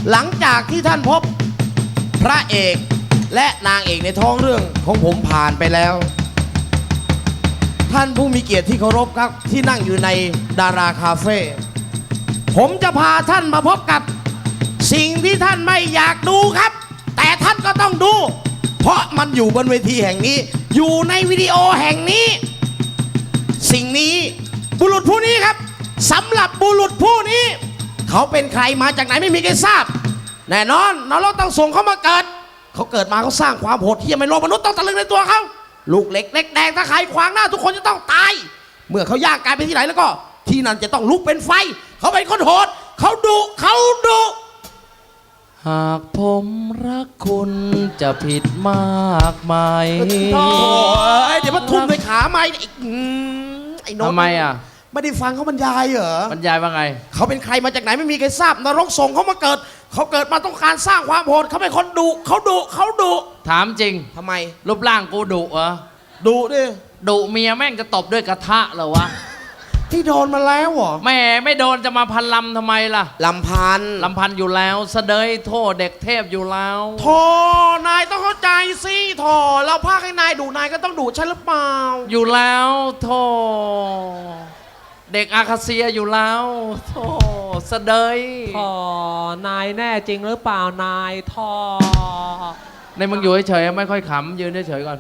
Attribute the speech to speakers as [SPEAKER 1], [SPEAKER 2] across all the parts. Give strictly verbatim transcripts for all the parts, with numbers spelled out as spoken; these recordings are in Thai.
[SPEAKER 1] หลังจากที่ท่านพบพระเอกและนางเอกในท้องเรื่องของผมผ่านไปแล้วท่านผู้มีเกียรติที่เคารพครับที่นั่งอยู่ในดาราคาเฟ่ผมจะพาท่านมาพบกับสิ่งที่ท่านไม่อยากดูครับแต่ท่านก็ต้องดูเพราะมันอยู่บนเวทีแห่งนี้อยู่ในวิดีโอแห่งนี้สิ่งนี้บุรุษผู้นี้ครับสำหรับบุรุษผู้นี้เขาเป็นใครมาจากไหนไม่มีใครทราบแน่นอนนรกต้องส่งเขามาเกิดเขาเกิดมาเขาสร้างความโหดเหี้ยมในโลกมนุษย์ต้องตะลึงในตัวเขาลูกเล็กเล็กแดงถ้าใครขวางหน้าทุกคนจะต้องตายเมื่อเขาย่างกายไปที่ไหนแล้วก็ที่นั่นจะต้องลุกเป็นไฟเขาเป็นคนโหดเขาดุเขาดุ
[SPEAKER 2] หากผมรักคุณจะผิดมากไหม
[SPEAKER 1] โอ้ยเดี๋ยวมาทุ่มในขาไม้อีกไอ้น้อง
[SPEAKER 2] ทำไมอ่ะ
[SPEAKER 1] ไม่ได้ฟังเขาบรรยายเหรอบ
[SPEAKER 2] รรยายว่าไง
[SPEAKER 1] เขาเป็นใครมาจากไหนไม่มีใครทราบนรกส่งเขามาเกิดเขาเกิดมาต้องการสร้างความโหดเขาเป็นคนดุเขาดุเขาดุ
[SPEAKER 2] ถามจริง
[SPEAKER 1] ทำไม
[SPEAKER 2] รูปร่างกูดุเหรอ
[SPEAKER 1] ดุดิ
[SPEAKER 2] ดุเมียแม่งจะตบด้วยกระทะเหรอวะ
[SPEAKER 1] ที่โดนมาแล้วเหรอ
[SPEAKER 2] แม่ไม่โดนจะมาพันลำทำไมล่ะ
[SPEAKER 1] ลำพัน
[SPEAKER 2] ลำพันอยู่แล้วเสดยโทษเด็กเทพอยู่แล้ว
[SPEAKER 1] โธ่นายต้องเข้าใจสิโธ่เราพาให้นายดุนายก็ต้องดุใช่หรือเปล่า
[SPEAKER 2] อยู่แล้วโธ่เด็กอาคาเซียอยู่แล้วโธ่เสดย
[SPEAKER 3] ท่อนายแน่จริงหรือเปล่านายท่อ
[SPEAKER 2] ในมึงอยู่เฉยๆไม่ค่อยขำยืนเฉยๆก่อน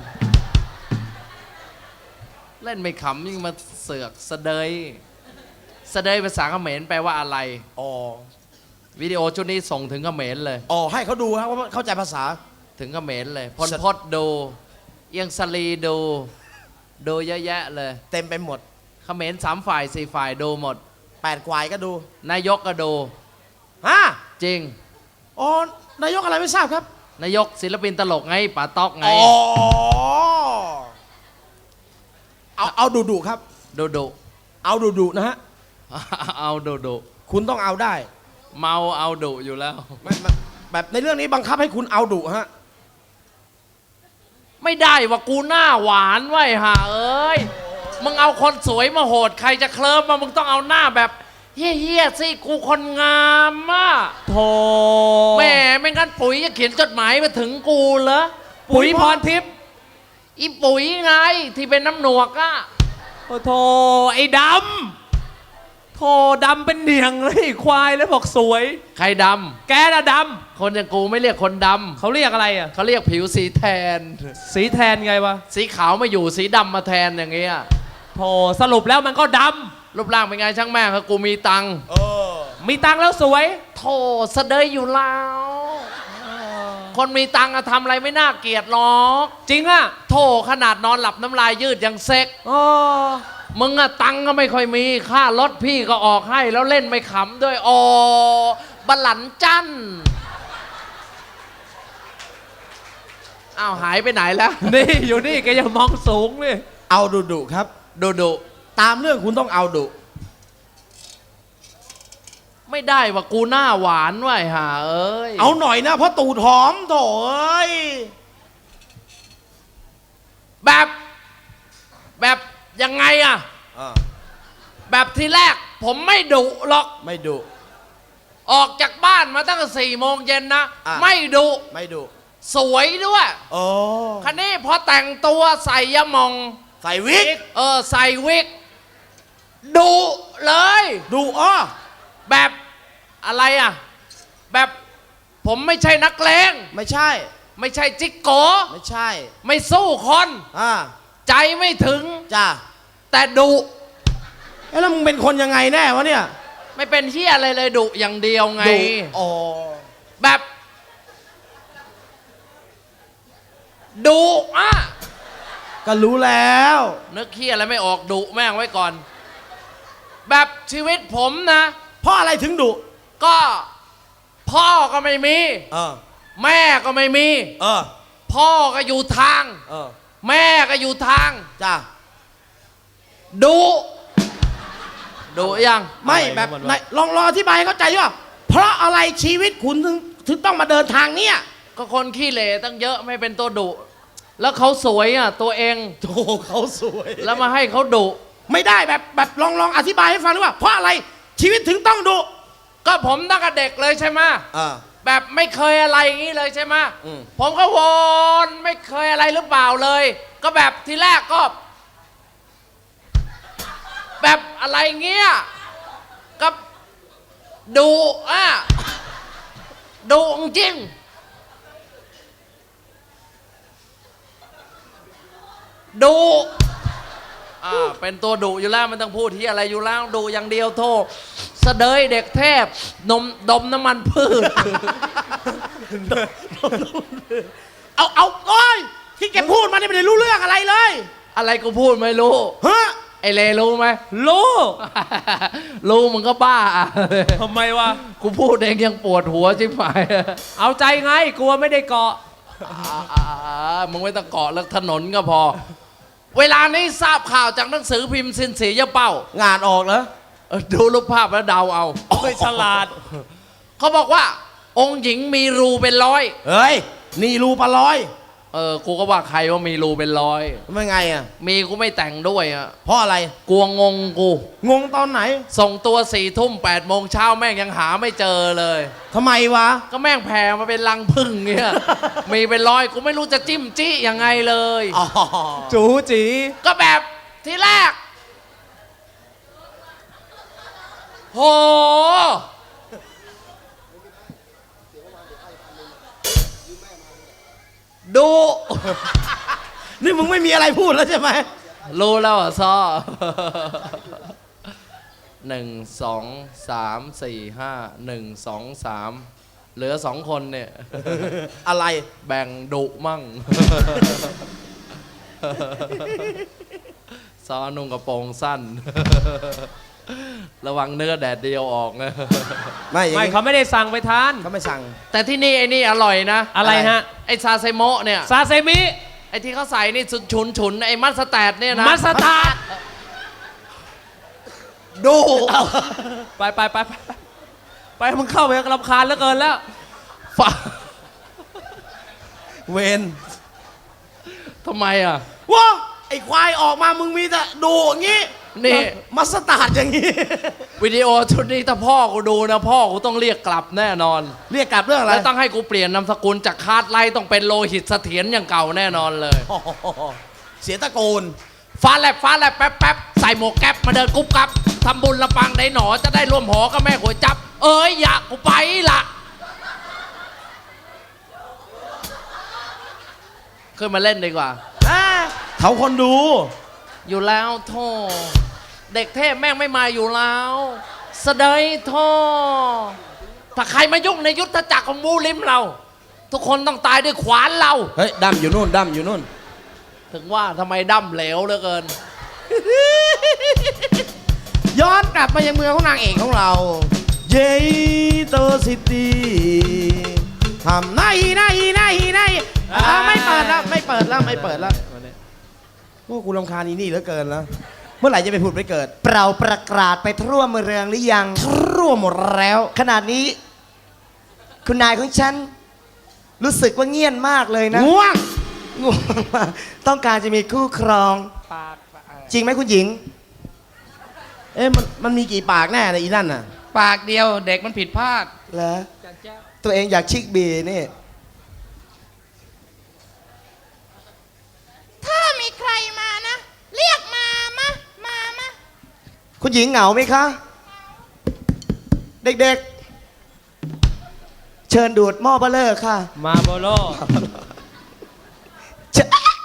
[SPEAKER 2] เล่นไม่ขำยิ่งมาเสือกเสดยเสดยภาษาเขมรแปลว่าอะไร
[SPEAKER 1] อ๋อ
[SPEAKER 2] วิดีโอชุดนี้ส่งถึงเขมรเลย
[SPEAKER 1] อ๋อให้เขาดูครับว่าเข้าใจภาษา
[SPEAKER 2] ถึงเขมรเลยพลพศดูเอียงสลีดูดูเยอะแยะเลย
[SPEAKER 1] เต็มไปหมด
[SPEAKER 2] เขมรสามฝ่ายสี่ฝ่ายดูหมด
[SPEAKER 1] แปดควายก็ดู
[SPEAKER 2] นายกก็ดู
[SPEAKER 1] ฮะ
[SPEAKER 2] จริง
[SPEAKER 1] อ๋อนายกอะไรไม่ทราบครับ
[SPEAKER 2] นายกศิลปินตลกไงป๋าต๊อกไง
[SPEAKER 1] อ๋อเอาเอาดุดุครับ
[SPEAKER 2] ดุดุ
[SPEAKER 1] เอาดุดุนะฮะ
[SPEAKER 2] เอาดุดุ
[SPEAKER 1] คุณต้องเอาได้
[SPEAKER 2] เมาเอาดุอยู่แล้ว
[SPEAKER 1] แบบในเรื่องนี้บังคับให้คุณเอาดุฮะ
[SPEAKER 2] ไม่ได้ว่ากูหน้าหวานไว้ห่าเอ้ยมึงเอาคนสวยมาโหดใครจะเคลิ้มมามึงต้องเอาหน้าแบบเฮี้ยๆสิกูคนงามอ่ะ
[SPEAKER 3] โธ่
[SPEAKER 2] แม่ไม่งั้นปุ๋ยจะเขียนจดหมายมาถึงกูเหรอ
[SPEAKER 3] ปุ๋ยพรทิพย์
[SPEAKER 2] อีปุ๋ยไงที่เป็นน้ำหนวกอ่ะ
[SPEAKER 3] โอ้โธ่ไอ้ดำโธ่ดำเป็นเหนียงเลยควายแล้วบอกสวย
[SPEAKER 2] ใครดำ
[SPEAKER 3] แกน่ะด
[SPEAKER 2] ำคนอย่างกูไม่เรียกคนดำ
[SPEAKER 3] เขาเรียกอะไรอ่ะ
[SPEAKER 2] เขาเรียกผิวสีแทน
[SPEAKER 3] สีแทนไงวะ
[SPEAKER 2] สีขาวมาอยู่สีดำมาแทนอย่างเงี้ย
[SPEAKER 3] โธ่สรุปแล้วมันก็ดำ
[SPEAKER 2] รูปร่างเป็นไงช่างแม่ครับกูมีตังค์
[SPEAKER 3] มีตังค์แล้วสวย
[SPEAKER 2] โธ่เสดยอยู่แล้วคนมีตังค์ทำอะไรไม่น่าเกลียดหรอก
[SPEAKER 3] จริงอะ
[SPEAKER 2] โธ่ขนาดนอนหลับน้ำลายยืดยังเซ็กมึงอะตังค์ก็ไม่ค่อยมีค่ารถพี่ก็ออกให้แล้วเล่นไม่ขำด้วยอ๋อบัลลันจันอ้าวหายไปไหนแล้ว
[SPEAKER 3] นี่อยู่นี่แกยังมองสูงเลย
[SPEAKER 1] เอาดุดุครับ
[SPEAKER 2] ดุดุ
[SPEAKER 1] ตามเรื่องคุณต้องเอาดุ
[SPEAKER 2] ไม่ได้ว่ากูหน้าหวานไว้ห่าเอ้ย
[SPEAKER 1] เอาหน่อยนะเพราะตูดหอมโถ่เอ้ย
[SPEAKER 2] แบบแบบยังไงอะแบบทีแรกผมไม่ดุหรอก
[SPEAKER 1] ไม่ดุ
[SPEAKER 2] ออกจากบ้านมาตั้งแต่สี่โมงเย็นนะไม่ดุ
[SPEAKER 1] ไม่ดุ
[SPEAKER 2] สวยด้วย
[SPEAKER 1] โอ้
[SPEAKER 2] คันนี้พอแต่งตัวใส่ยะมอง
[SPEAKER 1] ใส่วิก
[SPEAKER 2] เออใส่วิกดุเลย
[SPEAKER 1] ดุอ้อ
[SPEAKER 2] แบบอะไรอ่ะแบบผมไม่ใช่นักเลง
[SPEAKER 1] ไม่ใช่
[SPEAKER 2] ไม่ใช่จิกโก
[SPEAKER 1] ไม่ใช่
[SPEAKER 2] ไม่สู้คน
[SPEAKER 1] อ่า
[SPEAKER 2] ใจไม่ถึง
[SPEAKER 1] จ้า
[SPEAKER 2] แต่ดุ
[SPEAKER 1] เอ๊ะแล้วมึงเป็นคนยังไงแน่วะเนี่ย
[SPEAKER 2] ไม่เป็นเหี้ยอะไรเลยดุอย่างเดียวไง
[SPEAKER 1] อ๋อ
[SPEAKER 2] แบบดุอ่ะ
[SPEAKER 1] ก็รู้แล้ว
[SPEAKER 2] นึกเหี้ยอะไรไม่ออกดุแม่งไว้ก่อนแบบชีวิตผมนะ
[SPEAKER 1] เพราะอะไรถึงดุ
[SPEAKER 2] ก็พ่อก็ไม่มี
[SPEAKER 1] เออ
[SPEAKER 2] แม่ก็ไม่มี
[SPEAKER 1] เออ
[SPEAKER 2] พ่อก็อยู่ทาง
[SPEAKER 1] เออ
[SPEAKER 2] แม่ก็อยู่ทาง
[SPEAKER 1] จ้า
[SPEAKER 2] ดุดุยัง
[SPEAKER 1] ไม่แบบไหนลองรออธิบายเข้าใจว่าเพราะอะไรชีวิตคุณถึงถึงต้องมาเดินทางเนี้ย
[SPEAKER 2] ก็คนขี้เหร่ตั้งเยอะไม่เป็นตัวดุแล้วเขาสวยอ่ะตัวเอง
[SPEAKER 1] โธ่เขาสวย
[SPEAKER 2] แล้วมาให้เขาดุ
[SPEAKER 1] ไม่ได้แบบแบบลองลองอธิบายให้ฟังหรือว่าเพราะอะไรชีวิตถึงต้องดุ
[SPEAKER 2] ก็ผมตั้งแต่เด็กเลยใช่ไหม
[SPEAKER 1] อ่า
[SPEAKER 2] แบบไม่เคยอะไรอย่างนี้เลยใช่ไหม
[SPEAKER 1] อืม
[SPEAKER 2] ผมก็วนไม่เคยอะไรหรือเปล่าเลย ก็แบบทีแรกก็ แบบอะไรเงี้ยก็ดูอ่ะดูจริงดูอ่าเป็นตัวดุอยู่แล้วมันต้องพูดที่อะไรอยู่แล้วดูอย่างเดียวโทษเสดยเด็กเทพนมดมน้ำมันพืช
[SPEAKER 1] เอาเอาโอ้ยที่แกพูดมาเนี่ยไม่ได้รู้เรื่องอะไรเลย
[SPEAKER 2] อะไรกูพูดไม่รู้
[SPEAKER 1] เฮ้ย
[SPEAKER 2] ไอเลรู้ไหม
[SPEAKER 3] รู้
[SPEAKER 2] รู้มึงก็บ้า
[SPEAKER 3] ทำไมวะ
[SPEAKER 2] กูพูดเองยังปวดหัวชิบหาย
[SPEAKER 3] เอาใจไงกลัวไม่ได้เกาะ
[SPEAKER 2] อ่ามึงไม่ต้องเกาะเลิกถนนก็พอ เวลานี้ทราบข่าวจากหนังสือพิมพ์สินสียะเป้าง
[SPEAKER 1] านออกเหรอ
[SPEAKER 2] เออดูรูปภาพแล้วเดาเอา
[SPEAKER 3] ไม่ฉลาด
[SPEAKER 2] เขาบอกว่า องค์หญิงมีรูเป็นร้อย
[SPEAKER 1] เฮ้ย นี่รูปลาร้อย
[SPEAKER 2] เออ กูก็ว่าใครว่ามีรูเป็นร้อย
[SPEAKER 1] ไม่ไงอ่ะ
[SPEAKER 2] มีกูไม่แต่งด้วยอ่ะ
[SPEAKER 1] เพราะอะไร
[SPEAKER 2] กลัวงงกู
[SPEAKER 1] งงตอนไหน
[SPEAKER 2] ส่งตัวสี่ทุ่มแปดโมงเช้าแม่งยังหาไม่เจอเลย
[SPEAKER 1] ทำไมวะ
[SPEAKER 2] ก็แม่งแผ่มาเป็นรังพึ่งเงี้ย มีเป็นร้อยกูไม่รู้จะจิ้มจี้ยังไงเลย
[SPEAKER 1] อ๋อ
[SPEAKER 3] จูจี
[SPEAKER 2] ก็แบบที่แรก โห ดู
[SPEAKER 1] นี่มึงไม่มีอะไรพูดแล้วใช่ไหม
[SPEAKER 2] รู้แล้วอ่ะซ้อ หนึ่งสองสามสี่ห้าหนึ่งสองสามเหลือสองคนเนี่ย
[SPEAKER 1] อะไร
[SPEAKER 2] แบ่งดุมั่ง ซ้อนุ่งกระโปรงสั้น ระวังเนื้อแดดเดียวออกนะ
[SPEAKER 1] ไม่อย่าง
[SPEAKER 3] ไม่
[SPEAKER 1] งี้
[SPEAKER 3] เขาไม่ได้สั่งไปทาน
[SPEAKER 1] เขาไม่สั่ง
[SPEAKER 2] แต่ที่นี่ไอ้นี่อร่อยนะ
[SPEAKER 3] อะไรฮะ
[SPEAKER 2] ไอ้ซาเซโมะเนี่ย
[SPEAKER 3] ซาเซมิ
[SPEAKER 2] ไอ้ที่เขาใส่นี่ฉุนฉุนๆไอ้มัสตาร์ดเนี่ยนะ
[SPEAKER 3] มัสตาร์ด
[SPEAKER 1] ดู
[SPEAKER 3] ไปไปไปไปไปมึงเข้าไปรำคาญเหลือเกินแล้ว
[SPEAKER 2] ฝา
[SPEAKER 1] เวน
[SPEAKER 2] ทำไมอ่ะ
[SPEAKER 1] ว้าไอ้ควายออกมามึงมีแต่ดูอย่างงี้
[SPEAKER 2] นี่
[SPEAKER 1] มัสตาร์ดอย่างงี้
[SPEAKER 2] วิดีโอชุดนี้ถ้าพ่อกูดูนะ พ่อกูต้องเรียกกลับแน่นอน
[SPEAKER 1] เรียกกลับเรื่องอะไร
[SPEAKER 2] แล้วต้องให้กูเปลี่ยนนามสกุลจากคาดไล่ต้องเป็นโลหิตเสถียรอย่างเก่าแน่นอนเลย
[SPEAKER 1] โอ้โหเสียตะโกน
[SPEAKER 2] ฟ้าแลบฟ้าแลบแป๊บแป๊บใส่หมวกแก๊ปมาเดินกุ๊บกับทำบุญละปังได้หนอจะได้ร่วมหอกับแม่ก๋วยจับ เอ้ยอยากกูไปละขึ้นมาเล่นดีกว่า
[SPEAKER 1] เขาคนดู
[SPEAKER 2] อยู่แล้วโทเด็กเทพแม่งไม่มาอยู่แล้วสะเดยโทถ้าใครมายุ่งในยุทธจักรของมูลิมเรา ทุกคนต้องตายด้วยขวานเรา
[SPEAKER 1] เฮ้ยดำอยู่นู่นดำอยู่นู่น
[SPEAKER 2] ถึงว่าทำไมดั้มเหลวเหลือเกิน
[SPEAKER 1] ย้อนกลับมายังเมืองของนางเอกของเรา เยโตซิตี้ทำไนไนไนไนอ่าไม่เปิดแล้วไม่เปิดแล้วไม่เปิดแล้วโอ้กูรำคาญอีนี่เหลือเกินแล้ว เมื่อไหร่จะไปผุดไปเกิด
[SPEAKER 4] เปล่าประกาศไปทั่วเมืองหรือยัง
[SPEAKER 1] รั่วหมดแล้ว
[SPEAKER 4] ขนาดนี้ คุณนายของฉัน รู้สึกว่าเงียบมากเลยนะ
[SPEAKER 1] ง่วง
[SPEAKER 4] ง่วงมากต้องการจะมีคู่ครอง จริงไหมคุณหญิง
[SPEAKER 1] เอ๊ะมันมันมีกี่ปากแน่เลยอีนั่นน่ะ
[SPEAKER 2] ปากเดียวเด็กมันผิดพลาด
[SPEAKER 4] เหรอตัวเองอยากชิกบีนี่
[SPEAKER 5] ถ้ามีใครมานะ เรียกมามามามา
[SPEAKER 4] คุณหญิงเหงาไหมคะ เด็กๆ เชิญดูดหม้อเบลเลอร์ค่ะ
[SPEAKER 3] มาโบโล
[SPEAKER 4] เชิ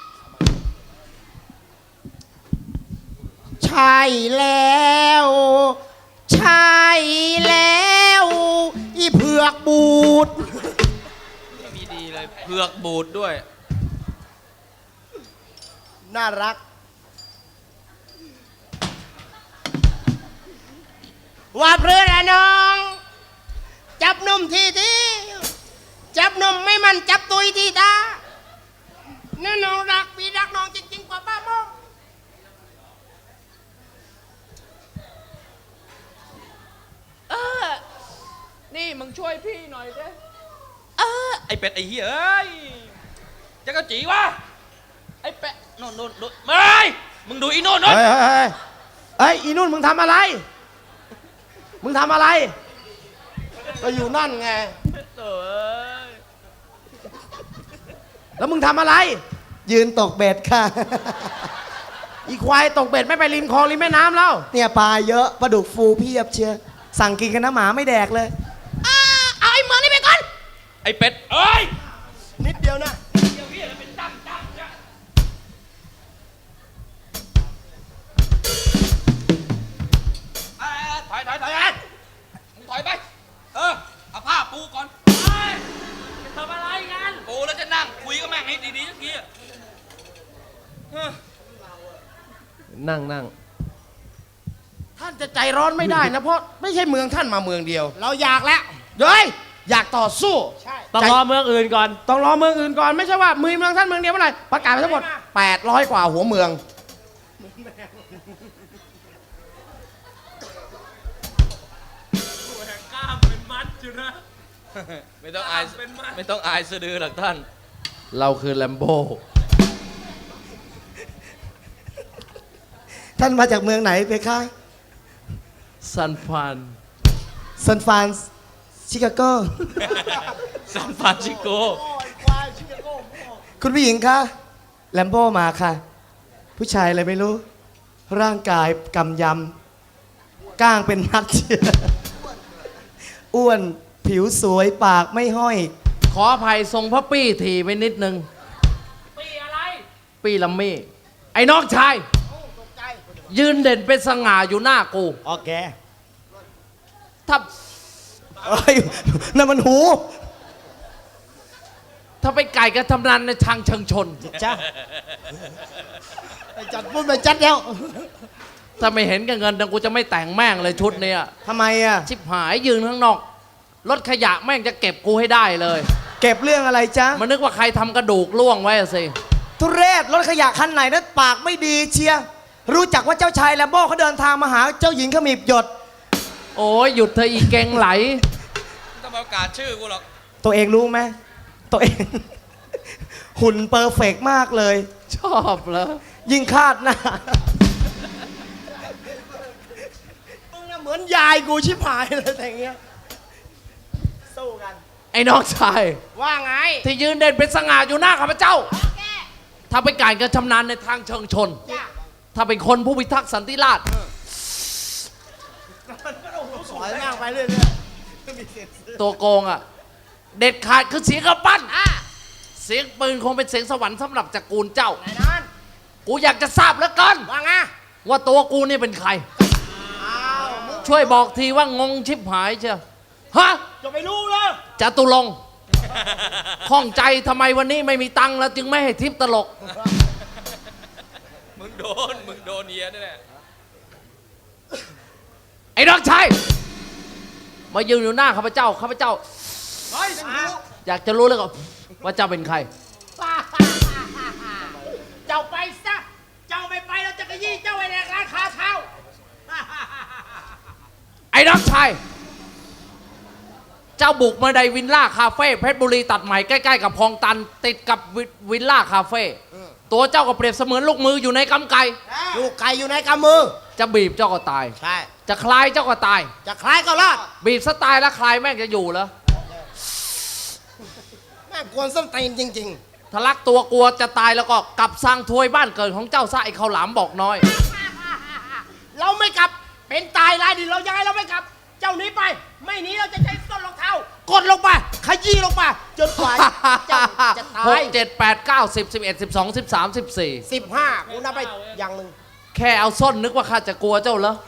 [SPEAKER 1] ใช่แล้ว ใช่แล้ว อีเผือกบูด
[SPEAKER 3] มีดีเลยเผือกบูดด้วย
[SPEAKER 4] น่ารัก
[SPEAKER 1] ว่าเพื่อนอะน้อง จับนมทีทีจับนมไม่มันจับตุยทีตานั่นน้องรักพี่รักน้องจริงๆกว่าป้าโมง
[SPEAKER 2] นี่มึงช่วยพี่หน่อยสิ
[SPEAKER 3] ไอเป็ดไอเหี้ยเอ้ยจะกระจีวะไอเป็ดโน่นโน่นโน่นไม่มึงดูอีโน่นโน่น
[SPEAKER 1] เฮ้ยเฮ้ยเฮ้ยอีนุ่นมึงทำอะไร มึงทำอะไร ก็อยู่นั่นไง
[SPEAKER 3] เอ้ย
[SPEAKER 1] แล้วมึงทำอะไร
[SPEAKER 4] ยืนตกเบ็ดค่ะ
[SPEAKER 1] อีควายตกเบ็ดไม่ไปริมคลองริมแม่น้ำแล้ว
[SPEAKER 4] เนี่ยปลาเยอะปลาดุกฟูเพียบเชียร์สั่งกินกันนะหมาไม่แดกเลย
[SPEAKER 5] อ่าเอาไอ้เมืองนี่ไปก่อน
[SPEAKER 3] ไอ้เป็ดเอ้ย
[SPEAKER 4] นิดเดียวนะ
[SPEAKER 3] เดี๋ยวเฮียจะเป็นตั้งตั้งเนี่ยเอ้ยถอยถอยถอยเอ้ยมึงถอยไป เออ เอาผ้าปูก่อนเฮ้ยจะทำอะไรกันปูแล้วจะนั่งคุยกับแม่งให้ดีๆสักทีอะเออ
[SPEAKER 2] นั่งนั่ง
[SPEAKER 1] ท่านจะใจร้อนไม่ได้นะ เพราะไม่ใช่เมืองท่านมาเมืองเดียว เราอยากแล้วเฮ้ยอยากต่อสู้
[SPEAKER 2] ต้องรอเมืองอื่นก่อน
[SPEAKER 1] ต้องรอเมืองอื่นก่อนไม่ใช่ว่ามือเมืองท่านเมืองเดียวเมื่อไหร่ประกาศไปทั้งหมดแปดร้อยกว่าหัวเมือง
[SPEAKER 3] กล้ามเป็นมัดอยู่นะ ไม่ต้องอายไม่ต้องอายสะดือหรอกท่าน
[SPEAKER 2] เราคือแลมโบ
[SPEAKER 4] ท่านมาจากเมืองไหนเพคะ
[SPEAKER 2] ซันฟาน
[SPEAKER 4] ซานฟรานซ์ชิคาโก
[SPEAKER 3] ซานฟรานซิสโก
[SPEAKER 4] คุณผู้หญิงคะแลมโบ้มาค่ะ ผู้ชายอะไรไม่รู้ ร่างกายกำยำก้างเป็นมัดเชียร์อ้วนผิวสวยปากไม่ห้อย
[SPEAKER 2] ขออภัยทรงพระปี้ทีไปนิดนึง
[SPEAKER 3] ปีอะไร
[SPEAKER 2] ปี้ลัมมี่ ไอ้น้องชาย ยืนเด่นเป็นสง่าอยู่หน้ากู
[SPEAKER 4] โอเค
[SPEAKER 2] ถ้า
[SPEAKER 4] เอ้ยนั่นมันหู
[SPEAKER 2] ถ้าไปไก่กระทำนันในทางเชิงชน
[SPEAKER 4] จ้าไปจัดพูดไปจัดแล้ว
[SPEAKER 2] ถ้าไม่เห็นกับเงินนะกูจะไม่แต่งแม่งเลยชุดเนี้ย
[SPEAKER 4] ทำไมอ่ะ
[SPEAKER 2] ชิบหายยืนข้างนอก รถขยะแม่งจะเก็บกูให้ได้เลย
[SPEAKER 4] เก็บเรื่องอะไรจ๊ะ
[SPEAKER 2] มันนึกว่าใครทำกระดูกล่วงไว้อะสิ
[SPEAKER 4] ทุเรศรถขยะคันไหนนั้นปากไม่ดีเชียร์รู้จักว่าเจ้าชายแลมโบ้เขาเดินทางมาหาเจ้าหญิงขมิบหยด
[SPEAKER 2] โอ้ยหยุดเธอะอีเกงไหล
[SPEAKER 3] ไม่ต้องมาประกาศชื่อกูหรอก
[SPEAKER 4] ตัวเองรู้ไหมตัวเอง หุ่นเปอร์เฟกต์มากเลย
[SPEAKER 2] ชอบเหรอ
[SPEAKER 4] ยิ่งคาดหน้ามึงน่ะเหมือนยายกูชิบหายเลยแต่อย่างเงี้ยสู้กัน
[SPEAKER 2] ไอ้น้องชาย
[SPEAKER 5] ว่าไง
[SPEAKER 2] ที่ยืนเด่นเป็นสง่าอยู่หน้าข้าพเจ้า ถ้าไปไก่กระชำนาญในทางเชิงชน
[SPEAKER 5] จ้ะ
[SPEAKER 2] ถ้าเป็นคนผู้พิทักษ์สันติราษฎร์
[SPEAKER 4] สอยมากไปเรื่อย
[SPEAKER 2] ตัวโกงอ่ะ เด็ดขาดคือเสียงกระปั้น
[SPEAKER 5] อ่ะ
[SPEAKER 2] เสียงปืนคงเป็นเสียงสวรรค์สำหรับจักรเจ้า
[SPEAKER 5] แน่นอน
[SPEAKER 2] กูอยากจะทราบเหลือเกิน
[SPEAKER 5] ว่าไง
[SPEAKER 2] ว่าตัวกูนี่เป็นใคร ช่วยบอกทีว่างงชิบหายเชียวฮะ
[SPEAKER 4] ๆจะไปรู้เลย
[SPEAKER 2] จตุรงค์ข้องใจทำไมวันนี้ไม่มีตังค์แล้วจึงไม่ให้ทิปตลก
[SPEAKER 3] มึงโดน มึงโดนเฮียนี่แหละ
[SPEAKER 2] ไอ้น้องชายมายืนอยู่หน้าข้าพเจ้าข้าพเจ้า อยากจะรู้เลยก็ว่าเจ้าเป็นใคร
[SPEAKER 5] เจ้าไปซะ เจ้าไม่ไปเราจะกระยี่เจ้าไอ้แดกร้านคาเท้า
[SPEAKER 2] ไอ้น้องชาย เจ้าบุกมาในวิลล่าคาเฟ่เพชรบุรีตัดใหม่ใกล้ๆกับคลองตัน ติดกับวิวิลล่าคาเฟ่ตัวเจ้าก็เปรียบเสมือนลูกมืออยู่ในกำไก่
[SPEAKER 1] ลูกไก่อยู่ในกำมือ
[SPEAKER 2] จะบีบเจ้าก็ตาย
[SPEAKER 1] ใช่
[SPEAKER 2] จะคลายเจ้าก็ตาย
[SPEAKER 1] จะคล้ายก็รอด
[SPEAKER 2] บีบสไตล์แล้วคลายแม่งจะอยู่เหรอ
[SPEAKER 1] แม่งกวนส้นตีนจริง
[SPEAKER 2] ทะลักตัวกลัวจะตายแล้วก็กลับสร้างทวยบ้านเกิดของเจ้าซะไอ้ข้าวหลามบอกน้อย
[SPEAKER 5] เราไม่กลับ เป็นตายรายดิเราย้ายเราไม่กลับ เจ้าหนี้ไป ไม่หนีเราจะใช้ส้นรองเท้ากดลงไป ขยี้ลงไป จนกว่าเจ้าจะตา
[SPEAKER 2] หก
[SPEAKER 5] ย
[SPEAKER 2] เจ็ดแปดเก้าสิบสิบเอ็ดสิบสองสิบสามสิบสี่
[SPEAKER 5] สิบห้ากูนับไปอย่างหนึ่ง
[SPEAKER 2] แค่เอาส้นนึกว่าข้าจะกลัวเจ้าเหรอ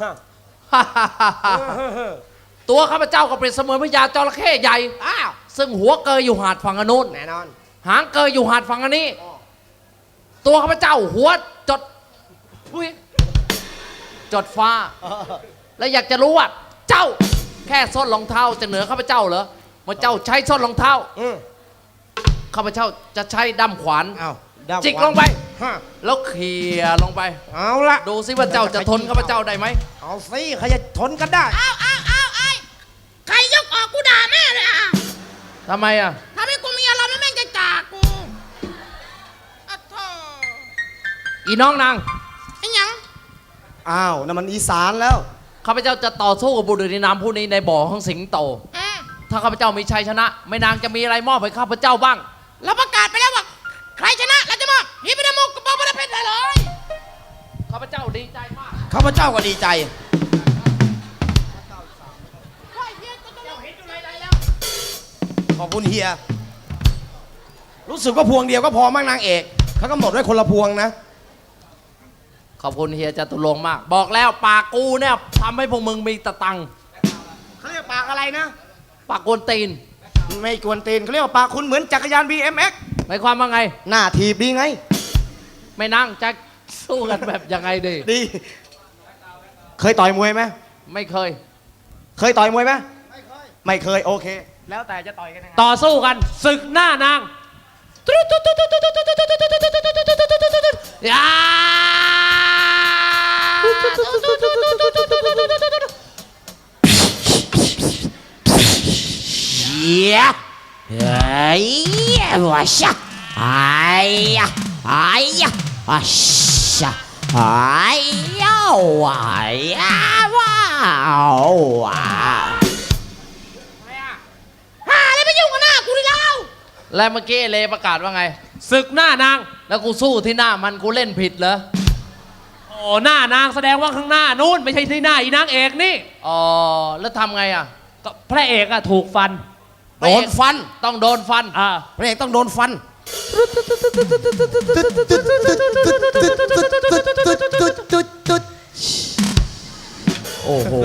[SPEAKER 2] ตัวข้าพเจ้าก็เป็นเสมือนพญาจระเข้ใหญ่
[SPEAKER 5] อ้าว
[SPEAKER 2] ซึ่งหัวเกยอยู่หาดฝั่งอนนุน
[SPEAKER 5] แน่นอน
[SPEAKER 2] หางเกยอยู่หาดฝั่งอันนี้ ตัวข้าพเจ้าหัวจดอุ๊ยจดฟ้า และอยากจะรู้ว่า เจ้าแค่ส้นรองเท้าจะเหนือข้าพเจ้าเหรอเมื่อเจ้าใช้ส้นรองเท้าข้าพเจ้าจะใช้ด้ามขวาน
[SPEAKER 1] ๆ เอาด้าม
[SPEAKER 2] จิกลงไป
[SPEAKER 1] ฮะ
[SPEAKER 2] แล้วเขี่ยลงไป
[SPEAKER 1] เอาละ
[SPEAKER 2] ดูซิว่าเจ้าจะทนข้าพเจ้าได้ไหม
[SPEAKER 1] เอาสิใครจะทนกันได้
[SPEAKER 5] อ้าวอ้าวอ้าวไอ้ใครยกออกกูด่าแม่เลยอ่ะ
[SPEAKER 2] ทำไมอ่ะ
[SPEAKER 5] ทำให้กูมีอารมณ์แล้วแม่งจะจากกูอะโธ่
[SPEAKER 2] อีน้องนาง
[SPEAKER 5] ไอ้หยัง
[SPEAKER 4] อ้าวนั่นมันอีสานแล้ว
[SPEAKER 2] ข้าพเจ้าจะต่อสู้กับบุรุษในนามผู้นี้ในบ่อของสิงโต
[SPEAKER 5] อืม
[SPEAKER 2] ถ้าข้าพเจ้ามีชัยชนะแม่นางจะมีอะไรมอบให้ข้าพเจ้าบ้าง
[SPEAKER 5] เราประกาศไปแล้วว่าใครชนะเราจะมอบฮีบิดามกกระเป๋าพระเพชรเลย
[SPEAKER 2] ข้าพเจ้าดีใจมาก
[SPEAKER 1] ข้าพเจ้าก็ดีใจ ขอบคุณเฮีย รู้สึกว่าพวงเดียวก็พอมั้งนางเอกเขากำหนดไว้คนละพวงนะ
[SPEAKER 2] ขอบคุณเฮียจตุรงค์มาก บอกแล้วปากกูเนี่ยทำให้พวกมึงมีตะตังค์
[SPEAKER 4] เขาเรียกปากอะไรนะ
[SPEAKER 2] ปากกวนตีน
[SPEAKER 4] ไม่กวนตีนเขาเรียกว่าปากคุณเหมือนจักรยาน บี เอ็ม เอ็กซ์
[SPEAKER 2] หมายความว่าไง
[SPEAKER 4] หน้าถีบดีไง
[SPEAKER 2] ไม่นั่งจะสู้กันแบบยังไงดี
[SPEAKER 4] ดี เคยต่อยมวยไหม
[SPEAKER 2] ไม่เคย
[SPEAKER 4] เคยต่อยมวยไหมไม่เคย ไม่เคย โอเค แล้วแต่จะต่อยกันยังไง
[SPEAKER 2] ต่อสู้กันศึกหน้านางยาเฮียเฮ้ยว้าชะไอ้ยะไอ้ยะว้าชะไอ้ยะว้ายะว้าวว้า
[SPEAKER 5] หาอะไรไปยุ่งกับหน้ากูดิเรา
[SPEAKER 2] และเมื่อกี้เลประกาศว่าไงศึกหน้านางแล้วกูสู้ที่หน้ามันกูเล่นผิดเหรอ
[SPEAKER 6] โอ้หน้านางแสดงว่าข้างหน้านู้นไม่ใช่ที่หน้าอีนางเอกนี่
[SPEAKER 2] อ๋อแล้วทำไงอ่ะ
[SPEAKER 6] ก็พระเอกอะถูกฟัน
[SPEAKER 1] โดนฟัน
[SPEAKER 2] ต้องโดนฟัน
[SPEAKER 6] อ่า
[SPEAKER 1] พระเอกต้องโดนฟัน โอ้โห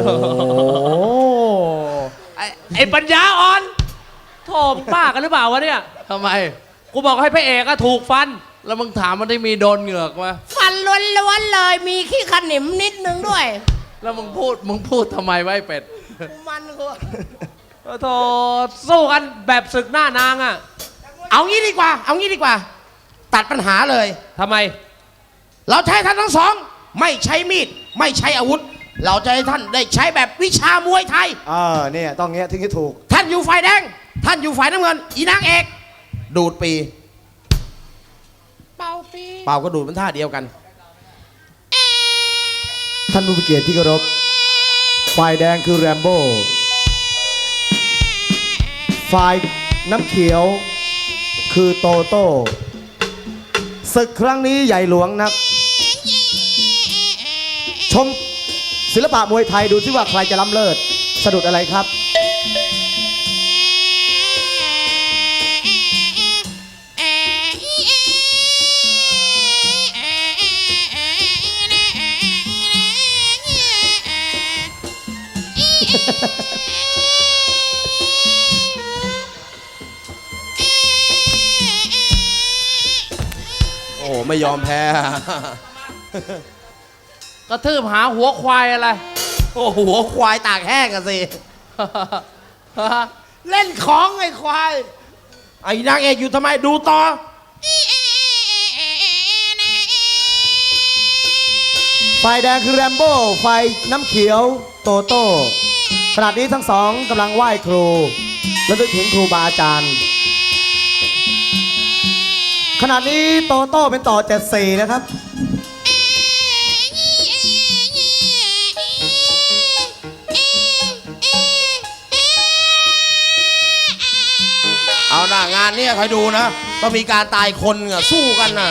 [SPEAKER 6] ไอ้ไอ้ปัญญาอ่อนโถมบ้ากันหรือเปล่าวะเนี่ย
[SPEAKER 2] ทำไม
[SPEAKER 6] กูบอกให้พระเอกอะถูกฟัน
[SPEAKER 2] แล้วมึงถามมันได้มีโดนเหงือกมา
[SPEAKER 5] ฟันล้วนๆเลย มีขี้ขนิมนิดนึงด้วย
[SPEAKER 2] แล้วมึงพูดมึงพูดทำไมไวะไอ้เป็ด
[SPEAKER 5] มันกู
[SPEAKER 6] โถสู้กันแบบศึกหน้านางอะ
[SPEAKER 1] เอางี้ดีกว่า เอางี้ดีกว่า ตัดปัญหาเลย
[SPEAKER 6] ทำไม
[SPEAKER 1] เราจะให้ท่านทั้งสอง ไม่ใช้มีด ไม่ใช้อาวุธ เราจะให้ท่านได้ใช้แบบวิชามวยไทย
[SPEAKER 4] เออเนี่ยต้องเงี้ยถึงจะถูก
[SPEAKER 1] ท่านอยู่ฝ่ายแดง ท่านอยู่ฝ่ายน้ำเงิน อีนางเอก ดูดปี
[SPEAKER 5] เป่าปี
[SPEAKER 1] เป่าก็ดูดเป็นท่าเดียวกัน
[SPEAKER 4] ท่านผู้มีเกียรติที่เคารพ ฝ่ายแดงคือแรมโบ้ ฝ่ายน้ำเขียวคือโตโต้ ศึกครั้งนี้ใหญ่หลวงนัก ชมศิลปะมวยไทยดูซิว่าใครจะล้ำเลิศ สะดุดอะไรครับ
[SPEAKER 1] โอ้โห ไม่ยอมแพ้
[SPEAKER 2] กระทืบหาหัวควายอะไร
[SPEAKER 1] โอ้โห หัวควายตากแห้งอะสิ
[SPEAKER 5] เล่นของไอ้ควาย
[SPEAKER 1] ไอ้นางเอกอยู่ทำไมดูต่อ
[SPEAKER 4] ฝ่ายแดงคือแรมโบ้ ฝ่ายน้ำเขียวโตโต้ ขณะนี้ทั้งสองกำลังไหว้ครู และนึกถึงครูบาอาจารย์ ขณะนี้โตโต้เป็นต่อเจ็ดสี่นะครับ
[SPEAKER 1] เอาหน้างานเนี่ยคอยดูนะต้องมีการตายคนอะสู้กันน่ะ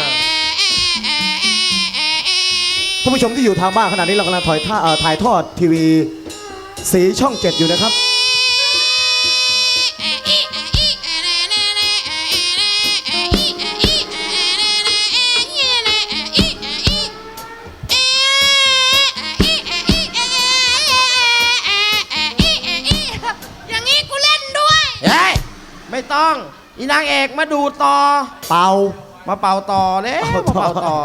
[SPEAKER 4] ท่านผู้ชมที่อยู่ทางบ้านขณะนี้เรากำลังถ่ายท่าเอ่อถ่ายทอดทีวีสีช่องเจ็ดอยู่นะครับ
[SPEAKER 5] อย่างนี้กูเล่นด้วย
[SPEAKER 1] เฮ้ย ไม่ต้อง อีนางเอกมาดูต่อ
[SPEAKER 4] เป่า
[SPEAKER 1] มาเป่าต่อเลย
[SPEAKER 4] เอา
[SPEAKER 1] มา
[SPEAKER 4] ต่อ
[SPEAKER 1] เป่าต่อ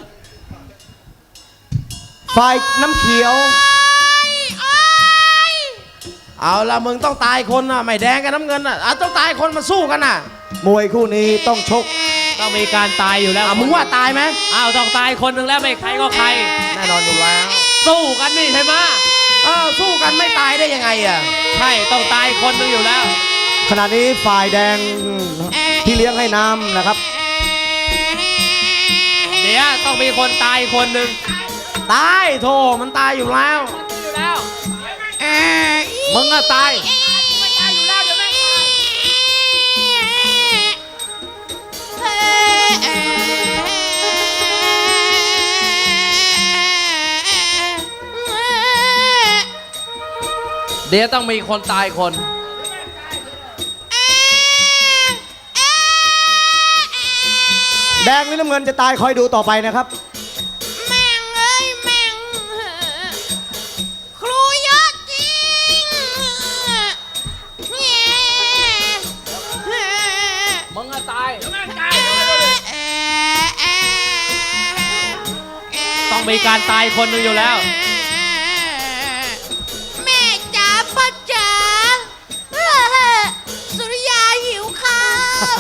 [SPEAKER 4] ฝ่ายน้ำเขียว
[SPEAKER 1] เอาละมึงต้องตายคนน่ะ ไม่แดงกับน้ำเงินน่ะอ่ะต้องตายคนมาสู้กันน่ะ
[SPEAKER 4] มวยคู่นี้ต้องชก
[SPEAKER 6] ต้องมีการตายอยู่แล้ว
[SPEAKER 1] อ่ะมึงว่าตายไหม
[SPEAKER 6] อ้าวต้องตายคนหนึ่งแล้วไม่ใครก็ใคร
[SPEAKER 1] แน่นอนอยู่แล้ว
[SPEAKER 6] สู้กันนี่ใช่ไหม
[SPEAKER 1] เออสู้กันไม่ตายได้ยังไงอ่ะ
[SPEAKER 6] ใช่ต้องตายคนหนึ่งอยู่แล้ว
[SPEAKER 4] ขณะนี้ฝ่ายแดงที่เลี้ยงให้น้ำนะครับ
[SPEAKER 6] เดี๋ยวต้องมีคนตายคนหนึ่ง
[SPEAKER 1] ตายโธ่มันตายอยู่แล้ว
[SPEAKER 6] อยู่แล้ว
[SPEAKER 2] มึงอะตาย
[SPEAKER 5] ไม่ตายอยู่แล้วเดี๋ยวแม่ง
[SPEAKER 2] เดี๋ยวต้องมีคนตายคน
[SPEAKER 4] แดงหรือน้ำเงินจะตายคอยดูต่อไปนะครับ
[SPEAKER 5] แม่งเอ้ยแม่งครูเยอะจริง
[SPEAKER 2] มึงอะตาย
[SPEAKER 6] ต้องมีการตายคนหนึงอยู่แล้ว
[SPEAKER 5] แม่จ๋าพ่อจ๋าสุริยาหิวข้าว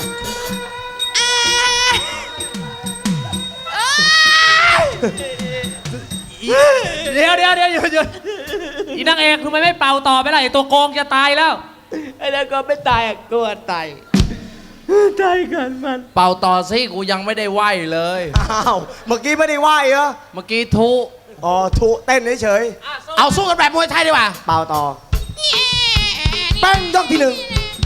[SPEAKER 5] เอ้ย
[SPEAKER 6] เดี๋ยวเดี๋ยวเดี๋ยวหยุดหยุดอีนางเอกทำไมไม่เป่าต่อไปล่ะไอตัวโกงจะตายแล้ว
[SPEAKER 1] ไอ้นั่นก็ไม่ตายอ่ะกลัวตายตายกันมัน
[SPEAKER 2] เป่าต่อสิกูยังไม่ได้ไหวเลย
[SPEAKER 4] อ้าว เมื่อกี้ไม่ได้ไหวเหรอ
[SPEAKER 2] เมื่อกี้ทุ
[SPEAKER 4] อ๋อทุเต้นเฉย
[SPEAKER 1] เอาสู้กันแบบมวยไทยดีกว่า
[SPEAKER 4] ๆเปล่าต่อแป้งยกที่หนึ่ง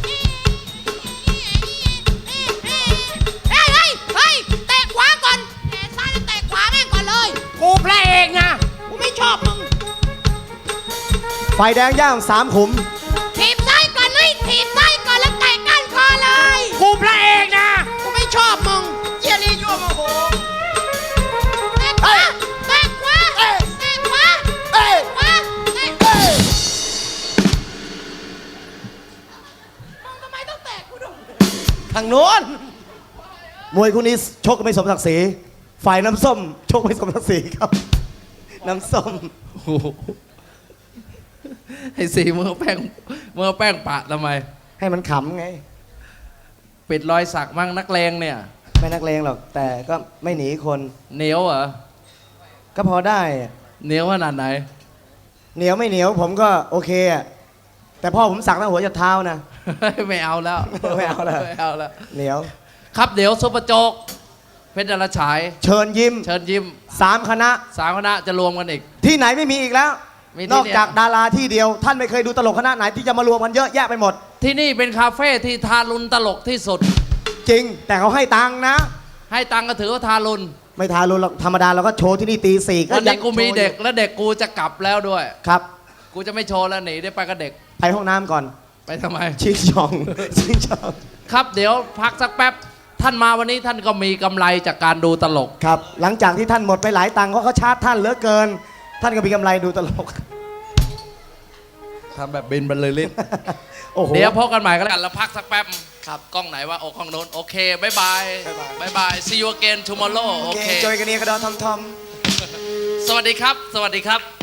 [SPEAKER 5] เฮ้ยเฮ้ยเฮ้ยเตะขวาก่อนเตะซ้ายแล้วเตะขวาแม่งก่อนเลยกูพระเอกนะกูไม่ชอบมึง
[SPEAKER 4] ไฟแดงย่างสามขุม
[SPEAKER 5] ถีบซ้ายก่อนเฮ้ยถีบซ้ายก่อนแล้วเตะก้านคอเลยกูพระเอกนะกูไม่ชอบมึงเจียรียั่วโมโหเตะขวาเตะขวาเตะขวาเตะขวาเตะขวามึงทำไมต้องเตะกูด้วย
[SPEAKER 1] ทางโน้น
[SPEAKER 4] มวยคู่นี้ชกกันไม่สมศักดิ์ศรีฝ่ายน้ำส้มชกไม่สมศักดิ์ศรีครับ น้ำส้ม
[SPEAKER 2] โอ้โหไอ้สีมึงเอาแป้งมึงเอาแป้งปะทำไม
[SPEAKER 4] ให้มันขำไง
[SPEAKER 2] ปิดรอยสักมั่งนักเลงเนี่ย
[SPEAKER 4] ไม่นักเลงหรอก แต่ก็ไม่หนีคน
[SPEAKER 2] เหนียวเหรอ
[SPEAKER 4] ก็พอได้อะ
[SPEAKER 2] เหนียวขนาดไหน
[SPEAKER 4] เหนียวไม่เหนียวผมก็โอเคอะแต่พ่อผมสักตั้งหัวจนเท้านะ
[SPEAKER 2] ไม่เอาแล้ว
[SPEAKER 4] ไม่เอาแล้ว
[SPEAKER 2] ไม่เอาแล้ว
[SPEAKER 4] เหนียว
[SPEAKER 2] ครับเดี๋ยวซุปเปอร์โจ๊กเพชรดาราฉาย
[SPEAKER 4] เชิญยิ้ม
[SPEAKER 2] เชิญยิ้ม
[SPEAKER 4] สามคณะ
[SPEAKER 2] สามคณะจะรวมกันอีก
[SPEAKER 4] ที่ไหนไม่มีอีกแล้ว
[SPEAKER 2] มีที่
[SPEAKER 4] นอก
[SPEAKER 2] เดียว
[SPEAKER 4] จากดาราที่เดียว ท่านไม่เคยดูตลกคณะไหนที่จะมารวมกันเยอะแยะไปหมด
[SPEAKER 2] ที่นี่เป็นคาเฟ่ที่ทารุณตลกที่สุด
[SPEAKER 4] จริง แต่เขาให้ตังค์นะ
[SPEAKER 2] ให้ตังค์ก็ถือว่าทารุณ
[SPEAKER 4] ไม่ทารุณหรอกธรรมดาเราก็โชว์ที่นี่ตีสี่ก็
[SPEAKER 2] วัน
[SPEAKER 4] ยั
[SPEAKER 2] นี้
[SPEAKER 4] ง
[SPEAKER 2] กูมี
[SPEAKER 4] โชว์อยู่
[SPEAKER 2] เด็กและเด็กกูจะกลับแล้วด้วย
[SPEAKER 4] ครับ
[SPEAKER 2] กูจะไม่โชว์แล้วหนีได้ไปกับเด็ก
[SPEAKER 4] ไปห้องน้ำก่อน
[SPEAKER 2] ไปทำไม
[SPEAKER 4] ชิงช่อง ชิงช่อง
[SPEAKER 2] ครับเดี๋ยวพักสักแป๊บ ท่านมาวันนี้ท่านก็มีกำไรจากการดูตลก
[SPEAKER 4] ครับ หลังจากที่ท่านหมดไปหลายตังค์เพราะเขาชาร์จท่านเหลือเกิน ท่านก็มีกำไรดูตลก
[SPEAKER 2] ทำแบบบินบรรลือฤทธิ์
[SPEAKER 4] โอ้โห
[SPEAKER 2] เดี๋ยวพบกันใหม่ก็แล้วกันแล้วพักสักแป๊บ ครับ กล้องไหนว่าโอ้กล้องโน้นโอเคบายบายบายบาย see you again tomorrow โอ
[SPEAKER 4] โอเค
[SPEAKER 2] เค
[SPEAKER 4] จอยกันนี้กระดอนทอมทอม
[SPEAKER 2] สวัสดีครับ สวัสดีครับ